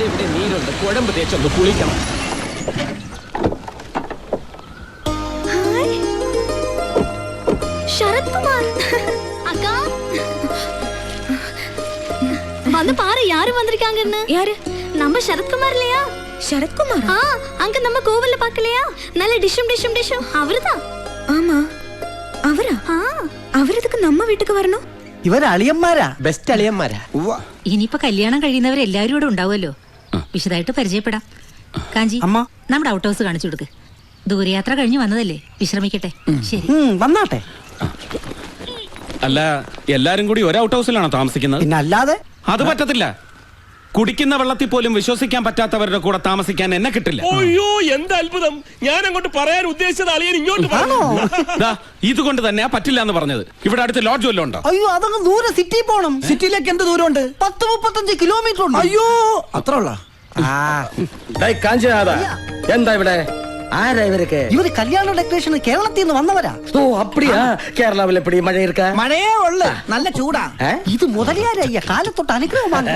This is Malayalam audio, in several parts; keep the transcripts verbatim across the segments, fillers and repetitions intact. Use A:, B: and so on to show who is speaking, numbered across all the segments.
A: അവിടെ ഇവിടെ നീരുണ്ട്, കുഴമ്പ് തേച്ചൊന്ന് കുളിക്കണം.
B: ശരത് കുമാർ அக்கா வந்து பாரு யாரு வந்திருக்காங்கன்னு. யாரு? நம்ம சரத்குமார் இல்லையா? சரத்குமார்? ஆ, அங்க நம்ம கோவில்ல பார்க்கலையா? நல்ல டிஷம் டிஷம் டிஷம் அவர்தான். ஆமா, அவரா? ஆ, അവരതൊക്കെ നമ്മ വീട്ടിക്ക് വരണോ?
A: ഇവര് അളിയന്മാരാ, ബെസ്റ്റ് അളിയന്മാരാ.
C: ഇനിയിപ്പോ കല്യാണം കഴിയുന്നവരെല്ലാരും ഇവിടെ ഉണ്ടാവുമല്ലോ, വിശദമായിട്ട് പരിചയപ്പെടാം. കാഞ്ചി, നമ്മുടെ ഔട്ട് ഹൗസ് കാണിച്ചു കൊടുക്ക്. ദൂരയാത്ര കഴിഞ്ഞ് വന്നതല്ലേ, വിശ്രമിക്കട്ടെ. ശരി,
A: വന്നാട്ടെ.
D: അല്ല, എല്ലാരും കൂടി ഒരു ഔട്ട് ഹൗസിലാണോ താമസിക്കുന്നത്?
A: പിന്നെ അല്ലാതെ. അത് പറ്റത്തില്ല.
D: കുടിക്കുന്ന വെള്ളത്തിൽ പോലും വിശ്വസിക്കാൻ പറ്റാത്തവരുടെ കൂടെ താമസിക്കാൻ എന്നെ കിട്ടില്ല.
E: അയ്യോ, എന്ത് അത്ഭുതം! ഞാൻ അങ്ങോട്ട് പറയാൻ ഉദ്ദേശിച്ചത് അളിയൻ ഇങ്ങോട്ട് പറഞ്ഞു.
D: ഇതുകൊണ്ട് തന്നെയാ പറ്റില്ല എന്ന് പറഞ്ഞത്. ഇവിടെ അടുത്ത് ലോഡ്ജ് വല്ലതും ഉണ്ടോ?
A: അയ്യോ, അതങ്ങ് ദൂരെ സിറ്റി പോണം. സിറ്റിയിലേക്ക് എന്ത് ദൂരമുണ്ട്? പത്ത് മുപ്പത്തഞ്ച് കിലോമീറ്റർ ഉണ്ട്. അയ്യോ, അത്ര ഉള്ള.
F: എന്താ ഇവിടെ? ആരാ ഇവരൊക്കെ?
A: ഇവര് കല്യാണ ഡെക്കറേഷൻ കേരളത്തിൽ നിന്ന് വന്നവരാ.
F: ഓ, അപ്പടിയാ? കേരളാവിൽ എപ്പടി മഴ ഇരിക്ക?
A: മഴയേ ഉള്ളു, നല്ല ചൂടാ. ഇത് മുതലിയാരയ്യ കാലത്തൊട്ട് അനുഗ്രഹമാണ്.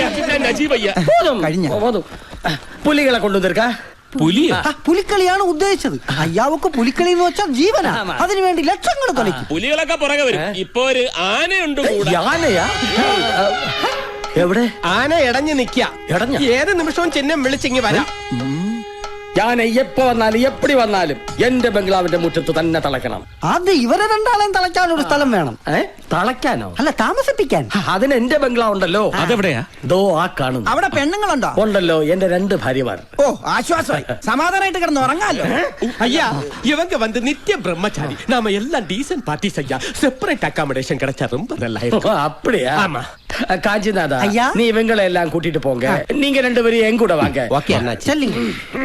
F: കഴിഞ്ഞ പുലികളെ കൊണ്ടുവന്നിരിക്ക.
D: പുലിയാ?
A: പുലിക്കളിയാണ് ഉദ്ദേശിച്ചത്. അയ്യാവക്ക് പുലിക്കളി എന്ന് വെച്ചാൽ ജീവനാ. അതിനുവേണ്ടി ലക്ഷങ്ങൾ കളിക്കും.
E: പുലികളൊക്കെ പുറകെ വരും. ഇപ്പൊ ഒരു ആനയുണ്ട്.
F: ആനയാ? എവിടെ?
A: ആന ഇടഞ്ഞു നിക്ക.
F: ഇടഞ്ഞ?
A: ഏത് നിമിഷവും ചിഹ്നം വിളിച്ചിങ്ങി വരാം.
F: ഞാൻ എപ്പോ വന്നാലും എപ്പടി വന്നാലും എന്റെ ബംഗ്ലാവിന്റെ മുറ്റത്ത് തന്നെ തളയ്ക്കണം.
A: അത് ഇവരെ രണ്ടാളെയും തളയ്ക്കാൻ ഒരു സ്ഥലം വേണം.
F: തളയ്ക്കാനോ?
A: അല്ല, താമസിപ്പിക്കാൻ.
F: അതിന് എന്റെ ബംഗ്ലാവ് ഉണ്ടല്ലോ.
D: അതെവിടെയാ?
F: ദോ ആ കാണുന്നു.
A: അവിടെ പെണ്ണുങ്ങളുണ്ടോ?
F: ഉണ്ടല്ലോ, എന്റെ രണ്ട് ഭാര്യമാർ.
A: ഓ, ആശ്വാസമായി. സമാധാനമായിട്ട് കിടന്ന് ഉറങ്ങാലോ.
E: ஐயா, இவங்க வந்து நித்திய பிரம்மச்சாரி. நாம எல்லாம் டீசன்ட் பார்ட்டிஸ் ஐயா. செப்பரேட் அகாமடேஷன் கிடைச்சா ரொம்ப நல்லா இருக்கும்.
F: அப்படியா?
E: ஆமா.
F: காஞ்சிநாதா,
A: ஐயா,
F: நீ இவங்களை எல்லாம் கூட்டிட்டு போங்க. நீங்க ரெண்டு பேரும் என் கூட வாங்க.
A: ஓகே அண்ணா, செல்லுங்க.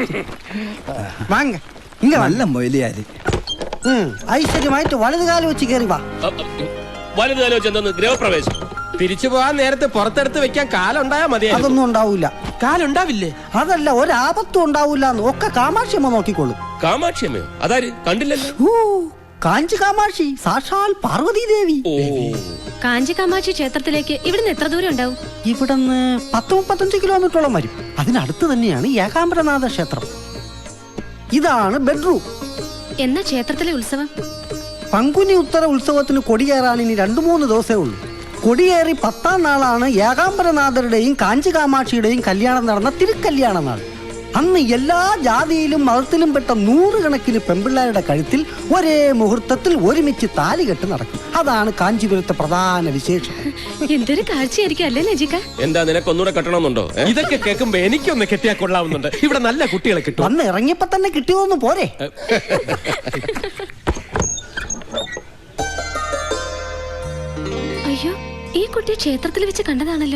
A: வாங்க. இங்க நல்ல மொயிலியாரு. ഐശ്വര്യമായിട്ട് വലതുകാലം വെച്ച് കയറി വാ.
E: വലുതാലോ ചെന്നു ഗൃഹപ്രവേശം.
A: തിരിച്ചു പോകാൻ നേരത്തെ പുറത്തെടുത്ത് വെക്കാൻ കാലുണ്ടായാ മതി. അതൊന്നും ഉണ്ടാവൂല. കാലുണ്ടാവില്ലേ? അതല്ല, ഒരാപത്തും ഉണ്ടാവൂല. ഒക്കെ കാമാക്ഷിയമ്മ നോക്കിക്കോളും.
E: കാമാക്ഷിയമ്മയോ? അതാര്? കണ്ടില്ലല്ലോ.
A: കാഞ്ചി കാമാക്ഷി, സാക്ഷാൽ പാർവതി ദേവി.
B: കാഞ്ചി കാമാക്ഷി ക്ഷേത്രത്തിലേക്ക് ഇവിടുന്ന് എത്ര ദൂരം ഉണ്ടാവും?
A: ഇവിടുന്ന് പത്ത് മുപ്പത്തഞ്ച് കിലോമീറ്ററോളം വരും. അതിനടുത്ത് തന്നെയാണ് ഏകാംബരനാഥ ക്ഷേത്രം. ഇതാണ് ബെഡ്റൂം.
B: എന്നാ ക്ഷേത്രത്തിലെ ഉത്സവം?
A: പങ്കുനി ഉത്തര ഉത്സവത്തിന് കൊടിയേറാൻ ഇനി രണ്ടു മൂന്ന് ദിവസമേ ഉള്ളൂ. കൊടിയേറി പത്താം നാളാണ് ഏകാംബരനാഥരുടെയും കാഞ്ചി കാമാക്ഷിയുടെയും കല്യാണം നടന്ന തിരുക്കല്യാണ നാൾ. അന്ന് എല്ലാ ജാതിയിലും മതത്തിലും പെട്ട നൂറുകണക്കിന് പെൺപിള്ളേരുടെ കഴുത്തിൽ ഒരേ മുഹൂർത്തത്തിൽ ഒരുമിച്ച് താലികെട്ട് നടക്കും. അതാണ് കാഞ്ചീപുരത്തെ പ്രധാന വിശേഷം.
B: എന്തൊരു കാഴ്ചയായിരിക്കും അല്ലേ നജിക?
E: എന്താ, നിനക്ക് ഒന്നുകൂടെ കെട്ടണമെന്നുണ്ടോ?
A: ഇതൊക്കെ കേൾക്കുമ്പോ എനിക്കൊന്ന് കെട്ടിയാ കൊള്ളാവുന്നുണ്ട്. ഇവിടെ നല്ല കുട്ടികളെ കിട്ടും. അന്ന് ഇറങ്ങിയപ്പോ തന്നെ കിട്ടിയോന്ന് പോരെ.
B: അയ്യോ, ഈ കുട്ടിയെ ക്ഷേത്രത്തിൽ വെച്ച് കണ്ടതാണല്ലോ.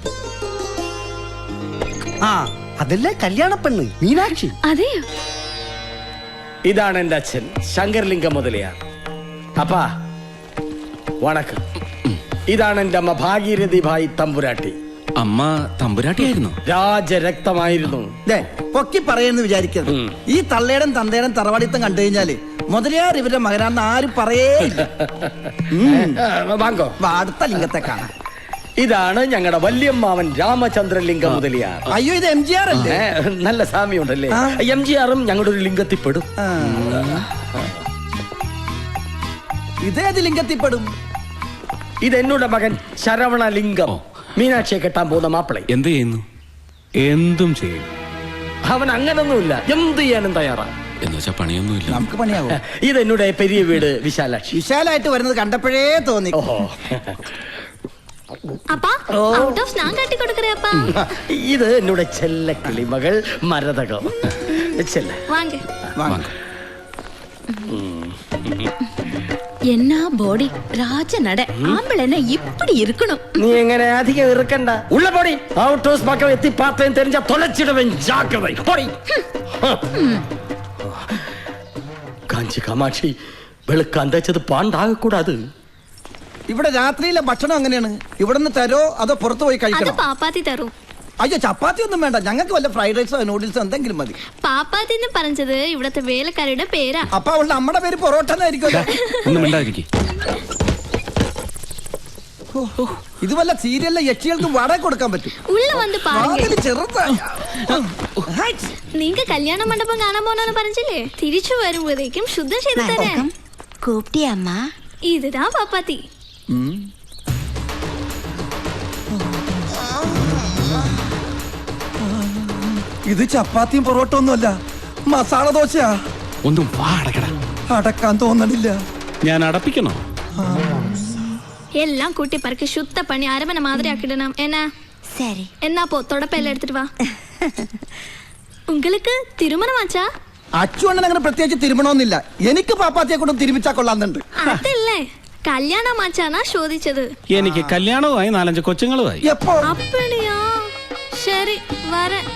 A: ആ, അതല്ലേ കല്യാണ പെണ്ണ് മീനാക്ഷി.
B: അതെയോ?
F: ഇതാണ് എന്റെ അച്ഛൻ ശങ്കർലിംഗം മുതലിയാർ. അപ്പാ വണക്കം. ഇതാണ് എന്റെ അമ്മ ഭാഗീരഥി ഭായി തമ്പുരാട്ടി.
D: അമ്മ തമ്പുരാട്ടിയായിരുന്നു?
F: രാജരക്തമായിരുന്നു.
G: പൊക്കി പറയുന്നു വിചാരിക്കരുത്. ഈ തള്ളേടം തന്തേടം തറവാടിത്തം കണ്ടു കഴിഞ്ഞാല് മുതലിയാർ ഇവരുടെ മകനാന്ന് ആരും പറയേ.
F: വാങ്ങോ,
G: അടുത്ത ലിംഗത്തെ കാണാം.
F: ഇതാണ് ഞങ്ങളുടെ വല്യമ്മാവൻ രാമചന്ദ്രലിംഗം മുതലിയാർ.
G: അയ്യോ, ഇത് എം ജി ആർ അല്ലേ?
F: നല്ല സാമ്യമുണ്ടല്ലേ? എം ജി ആറും ഞങ്ങളുടെ ഒരു ലിംഗത്തിൽപ്പെടും.
G: ഇതേത് ലിംഗത്തിൽപ്പെടും?
F: ഇത് എന്നോട് മകൻ ശരവണലിംഗം, മീനാക്ഷിയെ കെട്ടാൻ പോകുന്ന മാപ്പിള.
D: എന്ത് ചെയ്യുന്നു? എന്തും ചെയ്യും.
F: അവൻ അങ്ങനൊന്നുമില്ല, എന്ത് ചെയ്യാനും തയ്യാറാ.
D: എന്നുവെച്ചാ പണിയൊന്നുമില്ല.
G: നമുക്ക് പണിയാവോ?
F: ഇത് എന്നോട് പെരിയ വീട് വിശാലാക്ഷി.
G: വിശാലായിട്ട് വരുന്നത് കണ്ടപ്പോഴേ തോന്നി.
F: ഓഹോ,
B: അപ്പാ, ഔട്ട് ഓഫ് ഞാൻ കാട്ടി കൊടുക്കറേ അപ്പാ.
F: ഇത് എന്നോട് ചെല്ല കിളിമകൾ മരതകം. ചെല്ല
B: വാങ്ങ
G: വാങ്ങ.
B: എന്നാ ബോഡി രാജനട. ആമ്പിളെന്നെ ഇപ്പടി ഇരിക്കണം.
F: നീ എങ്ങനെ അധികം ഇറുക്കണ്ട. ഉള്ള പൊടി. ഔട്ട് ഹൗസ് പക്കം എത്തി പാത്രയും തെരഞ്ഞ തൊലച്ചിടവൻ ജാഗ്രത. പൊടി. കാഞ്ചി കാമാക്ഷി, വെളുക്കാൻ തേച്ചത് പാണ്ടാകക്കൂടാത്.
G: ഇവിടെ രാത്രിയിലെ ഭക്ഷണം അങ്ങനെയാണ്. ഇവിടുന്ന് തരോ അതോ പുറത്തു പോയി കഴിക്കണം?
B: പാപ്പാത്തി തരും.
G: അയ്യോ, ചപ്പാത്തി ഒന്നും വേണ്ട. ഞങ്ങൾക്ക് വല്ല ഫ്രൈഡ് റൈസോ നൂഡിൽസോ എന്തെങ്കിലും മതി.
B: പാപ്പാത്തി എന്ന് പറഞ്ഞത് ഇവിടത്തെ വേലക്കാരുടെ പേരാ.
G: അപ്പൊ അവളുടെ അമ്മയുടെ പേര് പൊറോട്ട എന്നായിരിക്കും.
D: ഒന്നും മിണ്ടാതിരിക്കും.
G: ഇത് വല്ല സീരിയലിലെ യക്ഷികൾക്ക് വാടക കൊടുക്കാൻ പറ്റും.
B: ഉള്ള വന്ന് പാരുங்க
G: വാതില് ചെറുതാ.
B: നീങ്ക കല്യാണ മണ്ഡപം കാണാൻ പോണെന്ന് പറഞ്ഞില്ലേ, തിരിച്ചു വരുമ്പോഴേക്കും ശുദ്ധം ചെയ്ത് തരാം.
H: കൂപ്പിട്ടിയ അമ്മ?
B: ഇതാ പാപ്പാത്തി.
G: ഉം. ഇത് ചപ്പാത്തിയും പൊറോട്ട ഒന്നുമല്ല, മസാല ദോശയാ.
D: ഒന്നും വാ അടക്കട.
G: അടക്കാൻ തോന്നണില്ല.
D: ഞാൻ അടപ്പിക്കണോ?
B: എല്ലാം കൂട്ടി പറക്കി ശുദ്ധ പണി അരമന മാതിരി ആക്കിടണം. എന്നാ
H: சரி.
B: എന്നാ പോ തുടപ്പെല്ലാം എടുത്തിട്ട് വാ. உங்களுக்கு തിരുമണമാച്ചാ?
G: അച്ചു അണ്ണൻ അങ്ങനെ പ്രത്യേകിച്ച് തിരുമണമെന്നില്ല. എനിക്ക് പാപ്പാത്തിയെ കൊണ്ടും തിരുമിച്ചാ കൊള്ളാന്നുണ്ട്.
B: അതല്ലേ കല്യാണമാച്ചാനാ ചോദിച്ചത്.
D: എനിക്ക് കല്യാണവുമായി നാലഞ്ച് കൊച്ചുങ്ങളുമായി.
G: എപ്പോ?
B: அப்படியா? ശരി വരேன்.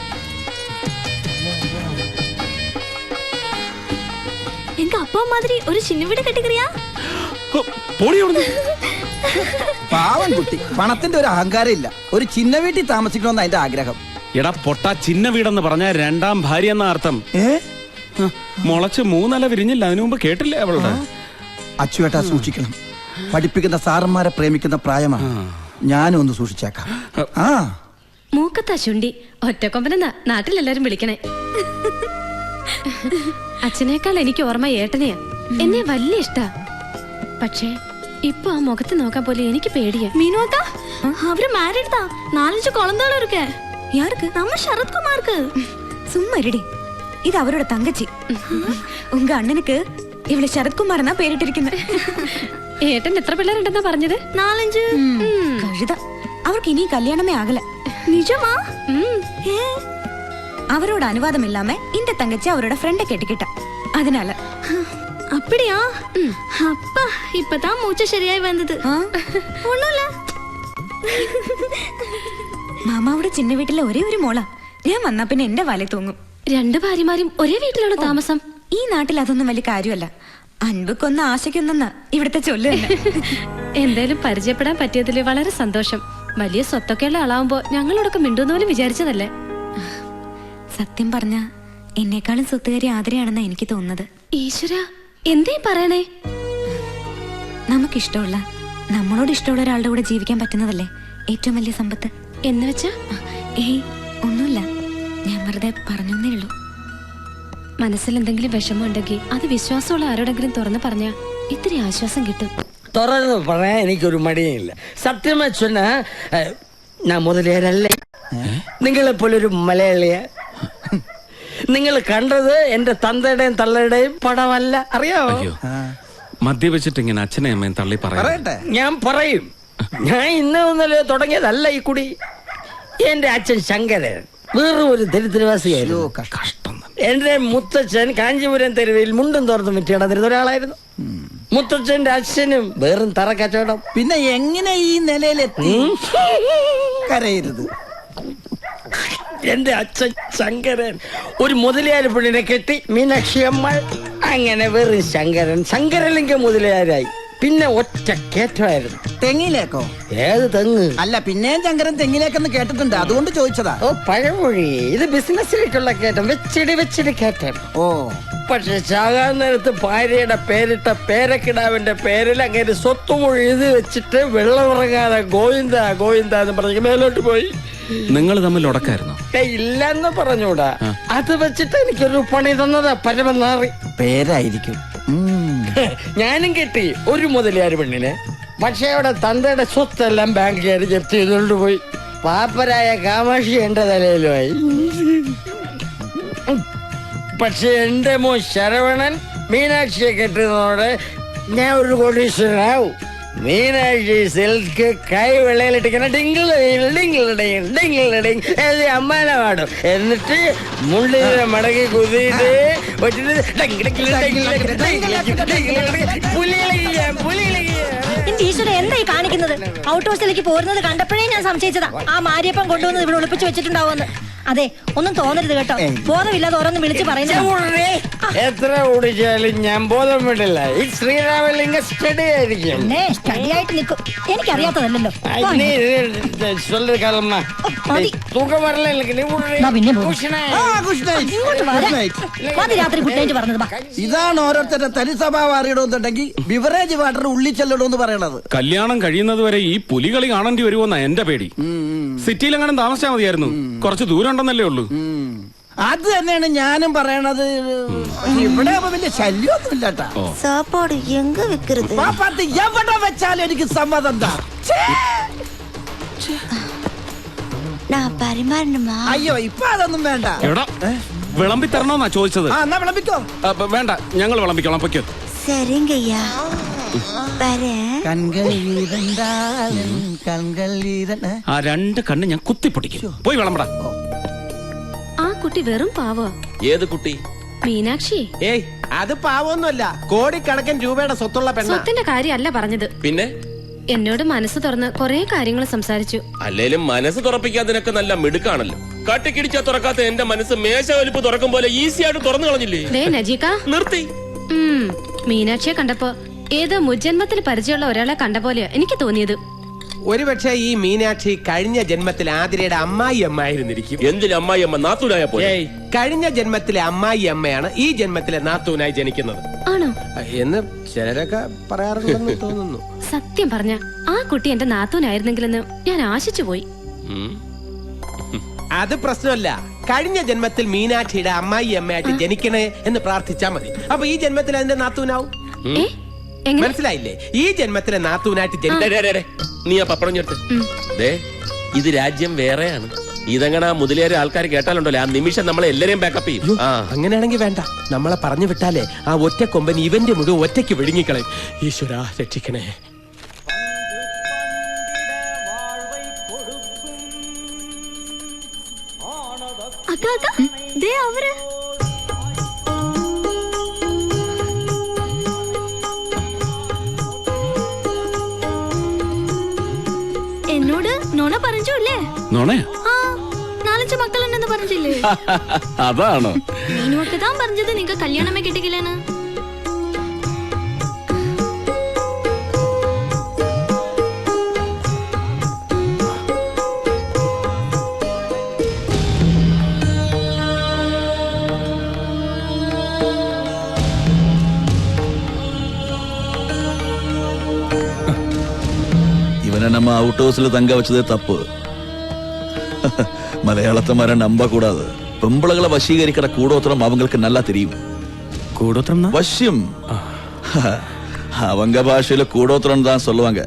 B: எங்க அப்பா மாதிரி ஒரு சின்ன வீடு கட்டிக்கிறியா?
D: ഹോ, പോടി അവിടുന്ന്.
G: പാവൻ കുട്ടി, പണത്തിന്റെ ഒരു അഹങ്കാരം ഇല്ല. ഒരു ചിന്ന വീട്ടിൽ താമസിക്കണമെന്ന് അതിന്റെ ആഗ്രഹം.
D: എടാ പൊട്ട, ചിന്ന വീടെന്ന് പറഞ്ഞ രണ്ടാം ഭാര്യ എന്ന അർത്ഥം.
G: ഏ
D: മുളച്ച് മൂന്നല വിരിഞ്ഞില്ല, അതിനു മുമ്പ് കേട്ടില്ലേ അവളുടെ?
G: അച്ചുവേട്ടാ സൂക്ഷിക്കണം. പഠിപ്പിക്കുന്ന സാറന്മാരെ പ്രേമിക്കുന്ന പ്രായമാണ്. ഞാനും ഒന്ന് സൂക്ഷിച്ചേക്കാം. ആ
I: മൂക്കത്താ ചുണ്ടി ഒറ്റക്കൊമ്പനെന്നാ നാട്ടിലെല്ലാരും വിളിക്കണേ. അച്ഛനേക്കാൾ എനിക്ക് ഓർമ്മ ഏട്ടനെയാ. എന്നെ വലിയ ഇഷ്ടാ. പക്ഷേ ഇപ്പൊ ആ മുഖത്ത് നോക്കാൻ പോലെ എനിക്ക് പേടിയാ.
B: மீனோக்கா அவரு மேரிட் தான். நாலஞ்சு குழந்தைகளும் இருக்கு.
H: யாருக்கு?
B: நம்ம சரத்குமாருக்கு.
H: சும்மா இருடி. இது அவரோட தங்கச்சி. உங்க அண்ணனுக்கு இவளை சரத்குமார் தான் பேரிட்டிருക്കുന്നത്.
I: ഏട്ടൻ എത്ര പിള്ളേരുണ്ടെന്നാ പറഞ്ഞത്?
B: நாலஞ்சு.
H: കഴുത. അവർക്ക് ഇനി കല്യാണമേ ആകല.
B: நிஜமா? ஏ
H: அவரோட அனுவாதம் இல்லாம இந்த தங்கச்சி அவரோட ஃப்ரெண்ட கெட்டிக்கிட்டா. அதனால
B: அப்படியா? அப்பா இப்பதான் மூச்சு சரியாய் வந்தது. ஒண்ணும் இல்ல.
H: മാമാവിടെ ചിന്ന വീട്ടിലെ ഒരേ ഒരു മോളാ. ഞാൻ വന്നാ പിന്നെ എന്റെ വല തൂങ്ങും.
I: രണ്ട് ഭാര്യമാരും ഒരേ വീട്ടിലാണ് താമസം.
H: ഈ നാട്ടിൽ അതൊന്നും വലിയ കാര്യമല്ല. അൻപക്കൊന്ന് ആശയ്ക്കൊന്നെന്ന ഇവിടുത്തെ ചൊല്ല് തന്നെ.
I: എന്തായാലും പരിചയപ്പെടാൻ പറ്റിയതില് വളരെ സന്തോഷം. വലിയ സ്വത്തൊക്കെയുള്ള ആളാവുമ്പോ ഞങ്ങളോടൊക്കെ മിണ്ടുന്ന പോലും വിചാരിച്ചതല്ലേ.
H: സത്യം പറഞ്ഞ എന്നെക്കാളും സ്വത്തുകാരി ആദരയാണെന്നാ എനിക്ക് തോന്നുന്നത്.
I: ഈശ്വര, എന്തേ പറയണേ?
H: നമുക്കിഷ്ടമുള്ള നമ്മളോട് ഇഷ്ടമുള്ള ഒരാളുടെ കൂടെ ജീവിക്കാൻ പറ്റുന്നതല്ലേ ഏറ്റവും വലിയ സമ്പത്ത്.
I: എന്ന് വെച്ചാ?
H: ഏയ് ഒന്നുമില്ല, ഞാൻ വെറുതെ പറഞ്ഞേ ഉള്ളൂ.
I: മനസ്സിൽ എന്തെങ്കിലും വിഷമം ഉണ്ടെങ്കിൽ അത് വിശ്വാസമുള്ള ആരോടെങ്കിലും തുറന്നു പറഞ്ഞാ ഇത്തിരി ആശ്വാസം കിട്ടും.
F: തുറന്ന് പറയാൻ എനിക്കൊരു മടിയില്ല. സത്യമായി சொன்னா ഞാൻ മുതലേരല്ല. നിങ്ങളെ പോലൊരു മലയാളിയ. നിങ്ങൾ കണ്ടത് എന്റെ തന്തയുടെയും തള്ളയുടെയും പടമല്ല, അറിയാവോ?
D: അയ്യോ, മദ്യപിച്ചിട്ട് ഇങ്ങനെ അച്ഛനെ അമ്മയും തള്ളി പറയാം.
F: ഞാൻ പറയും. ഞാൻ ഇന്ന് ഒന്നല്ലേ തുടങ്ങിയതല്ല ഈ കുടി. എന്റെ അച്ഛൻ ശങ്കരൻ വേറെ ഒരു ദരിദ്രവാസിയായിരുന്നു.
D: കഷ്ടം.
F: എന്റെ മുത്തച്ഛൻ കാഞ്ചീപുരം തെരുവിൽ മുണ്ടും തോർത്തും വിറ്റിടന്നിരുന്ന ഒരാളായിരുന്നു. മുത്തച്ഛന്റെ അച്ഛനും വേറും തറ കച്ചവടം.
G: പിന്നെ എങ്ങനെ ഈ നിലയിലെത്തി? കരയരുത്.
F: എന്റെ അച്ഛൻ ശങ്കരൻ ഒരു മുതലയാർ പെണ്ണിനെ കെട്ടി, മീനാക്ഷി അമ്മ. അങ്ങനെ വെറും ശങ്കരൻ ശങ്കരലിംഗ മുതലയാരായി. പിന്നെ ഒറ്റ കേറ്റമായിരുന്നു.
G: തെങ്ങിലേക്കോ?
F: ഏത് തെങ്ങ്?
G: അല്ല, പിന്നെയും ശങ്കരൻ തെങ്ങിലേക്കെന്ന് കേട്ടിട്ടുണ്ട്, അതുകൊണ്ട് ചോദിച്ചതാ.
F: ഓ പഴമൊഴി. ഇത് ബിസിനസ്സിലേക്കുള്ള കയറ്റം. വെച്ചിടി വെച്ചിടി കയറ്റം.
G: ഓ
F: പക്ഷെ ചാകാൻ നേരത്ത് ഭാര്യയുടെ പേരിട്ട പേരക്കിടാവിന്റെ പേരിൽ അങ്ങനെ സ്വത്തുമൊഴി എഴുതി വെച്ചിട്ട് വെള്ളമിറങ്ങാതെ ഗോവിന്ദ ഗോവിന്ദ എന്ന് പറഞ്ഞ് മേലോട്ട് പോയി.
D: നിങ്ങൾ തമ്മിൽ ഉടക്കായിരുന്നു?
F: ഇല്ലെന്ന് പറഞ്ഞൂടാ. അത് വെച്ചിട്ട് എനിക്കൊരു പണി തന്നതാ പരമനാറി.
G: പേരായിരിക്കും.
F: ഞാനും കെട്ടി ഒരു മുതലയാർ പെണ്ണിനെ. പക്ഷെ അവിടെ തന്തയുടെ സ്വത്തെല്ലാം ബാങ്കുകാർ ജപ്തി ചെയ്തുകൊണ്ട് പോയി. പാപ്പരായ കാമാക്ഷി എന്റെ തലയിലുമായി. പക്ഷെ എന്റെ മോ ശരവണൻ മീനാക്ഷിയെ കെട്ടുന്നതോടെ ഞാൻ ഒരു കോടീശ്വരനാവും. മീനാക്ഷി സിൽക്ക് കൈ വെള്ളയിലിട്ടിങ്ങനെ ഡിങ്കിൾ ഡിങ്കിൾ ഡിങ്കിൾ ഡിങ് അമ്മാനെ പാടും. എന്നിട്ട് മുള്ളിനെ മടക്കി കുതിയിട്ട്
H: ഈശ്വര എന്തായി കാണിക്കുന്നത്? ഔട്ട് ഹൗസിലേക്ക് പോരുന്നത് കണ്ടപ്പോഴേ ഞാൻ സംശയിച്ചതാ ആ മാരിയപ്പം കൊണ്ടുവന്നത് ഇവിടെ ഒളിപ്പിച്ചു വെച്ചിട്ടുണ്ടാവുമെന്ന്.
C: അതെ ഒന്നും തോന്നരുത് കേട്ടോ. ബോധമില്ലാതെ ഓരോന്ന് വിളിച്ച് പറയുന്നത്.
F: എത്ര ഓടിച്ചാലും ഞാൻ ബോധം വിടില്ല. ഈ ശ്രീരാമലിംഗ സ്റ്റഡി ആയിരിക്കും.
C: സ്റ്റഡി ആയിട്ട് നിൽക്കും. എനിക്കറിയാത്തതല്ലോ.
F: തൂക്കം വരല
C: പിന്നെ
A: രാത്രി കുട്ടേറ്റ് പറഞ്ഞത്.
G: ഇതാണ് ഓരോരുത്തരുടെ തനി സ്വഭാവം അറിയണമെന്നുണ്ടെങ്കിൽ ബിവറേജ് വാട്ടർ ഉള്ളിൽ ചെല്ലണമെന്ന് പറയണത്.
D: കല്യാണം കഴിയുന്നത് വരെ ഈ പുലികളി കാണേണ്ടി വരുമോന്നാ എന്റെ പേടി. സിറ്റിയിലെങ്ങാനും താമസിച്ചാൽ മതിയായിരുന്നു. കുറച്ച് ദൂരം ഉണ്ടെന്നല്ലേ ഉള്ളൂ.
G: അത് തന്നെയാണ് ഞാനും പറയണത്. ഇവിടെ വലിയ ശല്യമൊന്നും ഇല്ലാട്ടാ.
B: സാപ്പാട് എങ്ക വെക്കരുത്.
G: പാപ്പാത്തി എവിടെ വെച്ചാലും എനിക്ക് സമ്മതം എന്താ. അയ്യോ ഇപ്പൊ അതൊന്നും വേണ്ട.
D: എടാ വിളമ്പി തരണോന്നാ ചോദിച്ചത്.
G: ആ എന്നാ വിളമ്പിക്കോ.
D: അപ്പൊ വേണ്ട, ഞങ്ങൾ വിളമ്പിക്കോളാം. പൊയ്ക്കോ.
B: சரிங்கய்யா
D: ആ രണ്ട് കണ്ണ് ഞാൻ കുത്തിപ്പൊട്ടിക്കും. പോയി വിളമ്പടാ.
I: ആ കുട്ടി വെറും പാവോ.
E: ഏത് കുട്ടി?
I: മീനാക്ഷി.
E: ഏയ് അത് പാവൊന്നുമല്ല, കോടിക്കണക്കിന് രൂപയുടെ സ്വത്തുള്ള പെണ്ണ.
I: സ്വത്തിന്റെ കാര്യമല്ല പറഞ്ഞത്.
E: പിന്നെ
I: എന്നോട് മനസ്സ് തുറന്ന് കൊറേ കാര്യങ്ങൾ സംസാരിച്ചു.
E: അല്ലേലും മനസ്സ് തുറപ്പിക്കാതിനൊക്കെ നല്ല മിടുക്കാണല്ലോ. കട്ടിക്കിടിച്ചാ തുറക്കാത്ത എന്റെ മനസ്സ് മേശ വലിപ്പ് തുറക്കും പോലെ ഈസി ആയിട്ട് തുറന്നു കളഞ്ഞില്ലേ.
I: ദേ നജീക
E: നിർത്തി.
I: ഉം മീനാക്ഷിയെ കണ്ടപ്പോ ഏതോ മുജ്ജന്മത്തിൽ പരിചയമുള്ള ഒരാളെ കണ്ട പോലെയാ എനിക്ക് തോന്നിയത്.
E: ഒരുപക്ഷെ ഈ മീനാക്ഷി കഴിഞ്ഞ ജന്മത്തിൽ ആതിരയുടെ അമ്മായി അമ്മ ആയിരുന്നിരിക്കും. എന്തിന് അമ്മായി അമ്മ നാത്തൂനായ പോലെ? കഴിഞ്ഞ ജന്മത്തിലെ അമ്മായി അമ്മയാണ് ഈ ജന്മത്തിലെ നാത്തൂനായി ജനിക്കുന്നത്.
I: ആണോ
E: എന്ന് ചിലരൊക്കെ പറയാറുണ്ടെന്ന് തോന്നുന്നു.
I: സത്യം പറഞ്ഞ ആ കുട്ടി എന്റെ നാത്തൂനായിരുന്നെങ്കിലെന്ന് ഞാൻ ആശിച്ചു പോയി.
E: അത് പ്രശ്നമല്ല. കഴിഞ്ഞ ജന്മത്തിൽ മീനാക്ഷിയുടെ അമ്മായി അമ്മയായിട്ട് ജനിക്കണേ എന്ന് പ്രാർത്ഥിച്ചാ മതി. അപ്പൊ ഈ ജന്മത്തിൽ അതിന്റെ നാത്തൂനാവും. മനസ്സിലായില്ലേ? ഈ ജന്മത്തിലെ നാത്തൂനായിട്ട് ജനിക്കേ. നീ ആ പപ്പടം ഞെട്ട്. ഇത് രാജ്യം വേറെയാണ്. ഇതങ്ങനെ മുതലേറെ ആൾക്കാർ കേട്ടാലുണ്ടല്ലോ, ആ നിമിഷം നമ്മളെ എല്ലാരെയും ബാക്കപ്പ് ചെയ്യും. അങ്ങനെയാണെങ്കിൽ വേണ്ട. നമ്മളെ പറഞ്ഞു വിട്ടാലേ ആ ഒറ്റ കൊമ്പൻ ഇവന്റെ മുഴുവൻ ഒറ്റയ്ക്ക് വിഴുങ്ങിക്കളയും. ഈശ്വരാ രക്ഷിക്കണേ.
B: എന്നോട് നോണ പറഞ്ഞു അല്ലേ?
D: നോണയാ?
B: നാലഞ്ച് മക്കളുണ്ടെന്ന് പറഞ്ഞില്ലേ?
D: അതാണോ?
B: നീനുവൊക്കെ താൻ പറഞ്ഞത് നിങ്ങക്ക് കല്യാണമേ കിട്ടിക്കില്ലെന്ന്.
J: இவனை நம்ம அவுட் ஹவுஸ்ல தங்க வச்சதே தப்பு. மலையாளத்தை மாதிரி நம்ப கூடாது. பொம்பளைகளை வசீகரிக்கிற கூடோத்திரம் அவங்களுக்கு நல்லா தெரியும்.
D: கூடோத்திரம்
J: வசியம் அவங்க பாஷையில கூடோத்திரம் தான் சொல்லுவாங்க.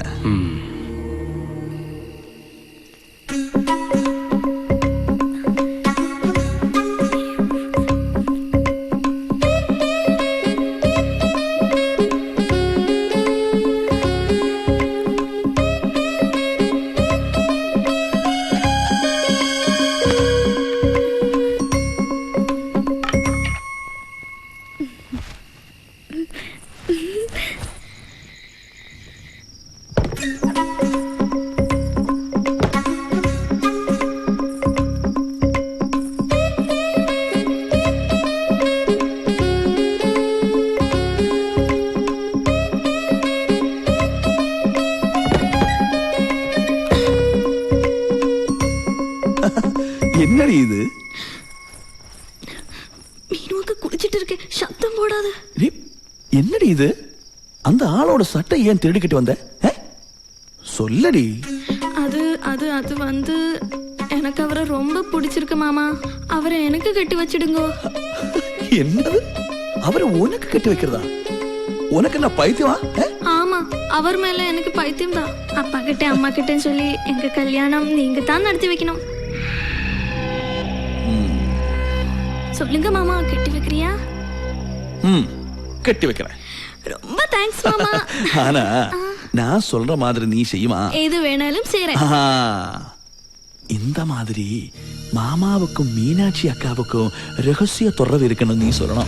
J: என்னடி இது?
B: மீனுக்கு குளிச்சிட்டு இருக்க, சத்தம் போடாத.
J: என்னடி இது? அந்த ஆளோட சட்டை ஏன் திருடிக்கிட்டு வந்த? சொல்லடி.
B: அது அது அது வந்து எனக்கு அவரை ரொம்ப பிடிச்சிருக்கு மாமா. அவரை எனக்கு கட்டி வச்சிடுங்க.
J: என்னது? அவரை உனக்கு கட்டி வைக்கிறதா? உனக்கு என்ன பைத்தியமா?
B: ஆமா, அவர் மேல எனக்கு பைத்தியம் தான். அப்பா கிட்ட அம்மா கிட்ட சொல்லி எங்க கல்யாணம் நீங்க தான் நடத்தி வைக்கணும். சொல்லுங்க மாமா, கட்டி வைக்கிறியா?
J: ம், கட்டி வைக்கிறேன்.
B: ரொம்ப தேங்க்ஸ் மாமா.
J: ஆனா நான் சொல்ற மாதிரி நீ செய்யுமா?
B: எது வேணாலும் செய்றேன்.
J: இந்த மாதிரி மாமாவுக்கும் மீனாட்சி அக்காவுக்கும் ரகசிய தொடர்பு இருக்குன்னு நீ சொல்லணும்.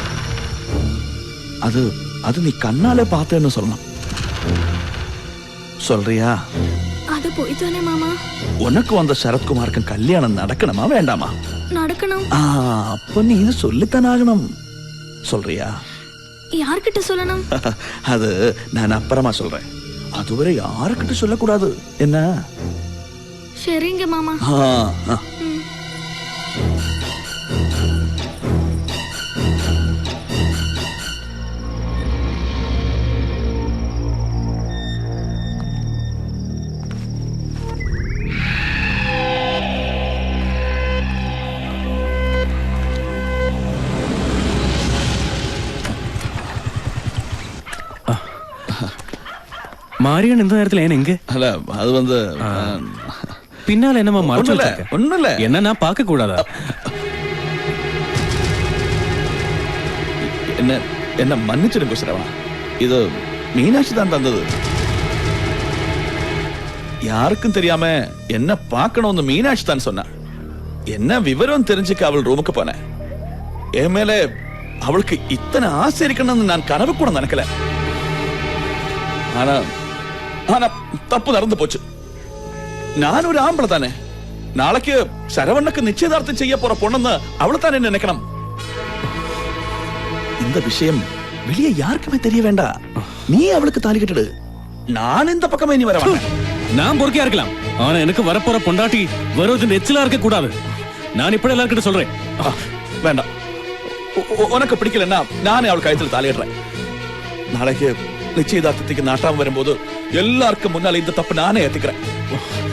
J: அது அது நீ கண்ணாலே பார்த்தேன்னு சொல்லணும். சொல்றியா?
B: அது போய் தானே மாமா.
J: உனக்கும் அந்த சரத்குமாருக்கும் கல்யாணம் நடக்கணுமா வேண்டாமா?
B: நடக்கணும்.
J: ஆ, அப்ப நீ இது சொல்லித்தான் ஆகணும். சொல்றியா?
B: யார்கிட்ட சொல்லணும்?
J: அது நான் அப்புறமா சொல்றேன். அதுவரை யாருக்கிட்ட சொல்லக்கூடாது என்ன?
B: சரிங்க மாமா.
J: ஆ, ஆ.
D: மாரியன் இந்த நேரத்துல ஏன் எங்க?
J: அல்ல அது வந்து
D: பின்னால என்னமா மறைச்சு
J: ஒண்ணுல,
D: வச்சிருக்க?
J: ஒண்ணுல.
D: என்ன நான் பார்க்க கூடாதா?
J: என்ன என்ன மன்னிச்சிடுங்க சிரவணா, இது மீனாட்சி தான் தந்தது. யாருக்கும் தெரியாம என்ன பார்க்கணும்னு மீனாட்சி தான் சொன்னா. என்ன விவரம் தெரிஞ்சுக்க அவள் ரூமுக்கு போனேன். என் மேல அவளுக்கு இத்தனை ஆசை இருக்கணும்னு நான் கனவு கூட நினைக்கல. ஆனா ஆனா தப்பு நடந்து போச்சு. நான் ஒரு ஆம்பளை தானே. நாளைக்கு சரவணனுக்கு நிச்சயதார்த்தம் செய்ய போற பொண்ணுன்னு அவளை தானே நினைக்கணும். இந்த விஷயம் வெளியே யாருக்குமே தெரிய வேண்டாம். நீ அவளுக்கு தாலி கட்டிடு. நான் இந்த பக்கமே நீ வர வேண்டாம்.
D: நான் பொறுக்கையா இருக்கலாம், ஆனா எனக்கு வரப்போற பொண்டாட்டி வருவது நெச்சிலா இருக்க கூடாது. நான் இப்படி எல்லார்கிட்ட சொல்றேன்.
J: வேண்டாம், உனக்கு பிடிக்கலன்னா நானே அவள் கழுத்துல தாலிடுறேன். நாளைக்கு நிச்சயதார்த்தத்துக்கு நாட்டாம வரும்போது எல்லாருக்கும் முன்னால இந்த தப்பு நானே ஏத்துக்கிறேன்.